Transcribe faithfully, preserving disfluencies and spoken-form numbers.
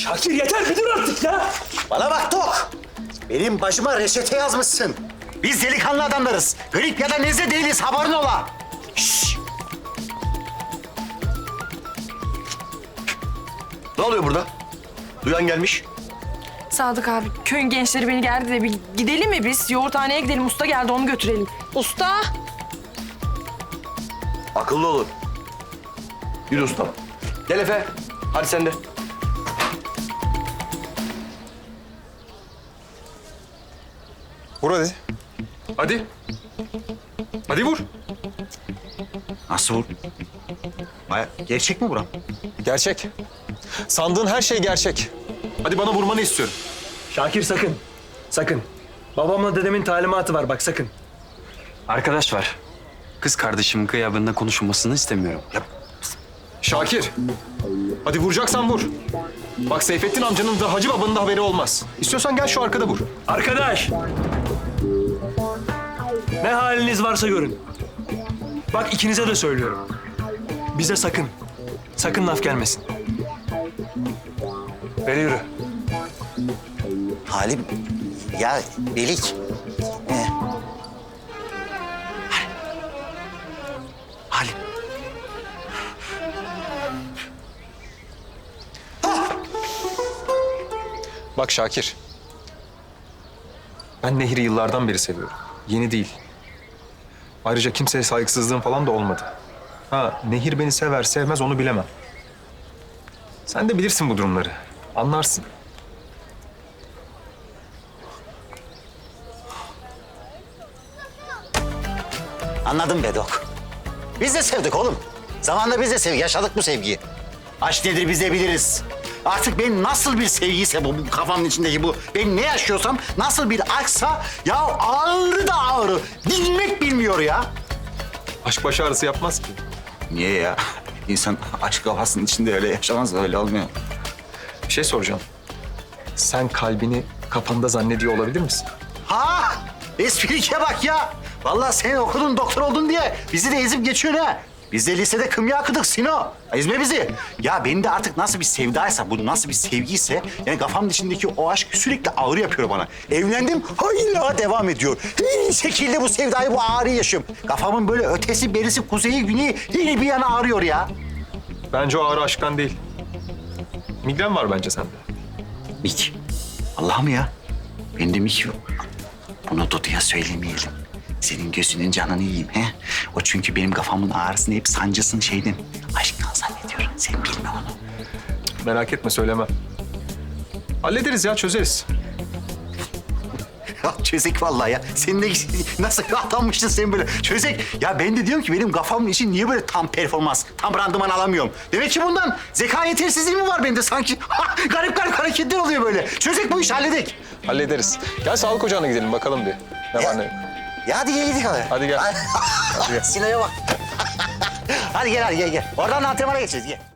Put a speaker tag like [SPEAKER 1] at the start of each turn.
[SPEAKER 1] Şakir yeter bir dur artık ya.
[SPEAKER 2] Bana bak Tok. Benim başıma reçete yazmışsın. Biz delikanlı adamlarız. Grip ya da nezle değiliz, haberin ola. Şşş.
[SPEAKER 3] Ne oluyor burada? Duyan gelmiş.
[SPEAKER 4] Sadık abi, köyün gençleri beni geldi de bir gidelim mi biz? Yoğurthaneye gidelim, usta geldi onu götürelim. Usta!
[SPEAKER 3] Akıllı olun. Yürü ustam. Gel Efe. Hadi sen de.
[SPEAKER 5] Vur hadi. Hadi. Hadi vur.
[SPEAKER 2] Nasıl vur? Baya- Gerçek mi buram?
[SPEAKER 5] Gerçek. Sandığın her şey gerçek. Hadi bana vurmanı istiyorum.
[SPEAKER 1] Şakir sakın. Sakın. Babamla dedemin talimatı var bak sakın.
[SPEAKER 6] Arkadaş var. Kız kardeşimin gıyabında konuşulmasını istemiyorum.
[SPEAKER 5] Şakir. Hadi vuracaksan vur. Bak Seyfettin amcanın da Hacı babanın da haberi olmaz. İstiyorsan gel şu arkada vur.
[SPEAKER 1] Arkadaş. Ne haliniz varsa görün. Bak ikinize de söylüyorum. Bize sakın. Sakın laf gelmesin. Beri yürü.
[SPEAKER 2] Halim, ya Belik. Ee, Halim.
[SPEAKER 5] Bak Şakir. Ben Nehir'i yıllardan beri seviyorum. Yeni değil. Ayrıca kimseye saygısızlığım falan da olmadı. Ha, Nehir beni sever sevmez onu bilemem. Sen de bilirsin bu durumları. Anlarsın.
[SPEAKER 2] Anladım Bedok. Biz de sevdik oğlum. Zamanında biz de sevdik, yaşadık bu sevgiyi. Aşk nedir biz de biliriz. Artık benim nasıl bir sevgiyse bu, bu kafamın içindeki bu, ben ne yaşıyorsam nasıl bir aşksa ya ağrı da ağrı. Dinmek bilmiyor ya.
[SPEAKER 5] Aşk baş ağrısı yapmaz ki.
[SPEAKER 2] Niye ya? İnsan aşk kafasının içinde öyle yaşamaz, öyle olmuyor.
[SPEAKER 5] Bir şey soracağım. Sen kalbini kafanda zannediyor olabilir misin?
[SPEAKER 2] Ha! Esprike bak ya. Vallahi sen okudun, doktor oldun diye bizi de ezip geçiyorsun ha. Biz de lisede kımya akıdık Sino. Ezme bizi. Ya benim de artık nasıl bir sevdaysa, bu nasıl bir sevgiyse... yani kafamın içindeki o aşk sürekli ağrı yapıyor bana. Evlendim, hala devam ediyor. Her şekilde bu sevdayı, bu ağrıyı yaşıyorum. Kafamın böyle ötesi, berisi, kuzeyi, güneyi her bir yana ağrıyor ya.
[SPEAKER 5] Bence o ağrı aşktan değil. Migren var bence sende.
[SPEAKER 2] Mik. Allah mı ya? Bende mik yok. Bunu Dudu'ya söylemeyelim. Senin gözünün canını yiyeyim he. O çünkü benim kafamın ağrısını hep sancısını şeyden aşktan zannediyor. Sen bilme onu.
[SPEAKER 5] Merak etme söylemem. Hallederiz ya çözeriz.
[SPEAKER 2] Ya çözek vallahi ya. Sen de nasıl atanmıştın sen böyle. Çözek. Ya ben de diyorum ki benim kafamın için niye böyle tam performans, tam randıman alamıyorum. Demek ki bundan zeka yetersizliği mi var bende sanki? Ha, garip garip hareketler oluyor böyle. Çözek bu işi halledek.
[SPEAKER 5] Hallederiz. Gel sağlık ocağına gidelim bakalım bir. Ne var ne yok.
[SPEAKER 2] Ya hadi gel gidelim.
[SPEAKER 5] Hadi gel.
[SPEAKER 2] Hadi gel. Sinan'a bak. Hadi gel hadi gel gel. Oradan antrenmana geçeceğiz gel.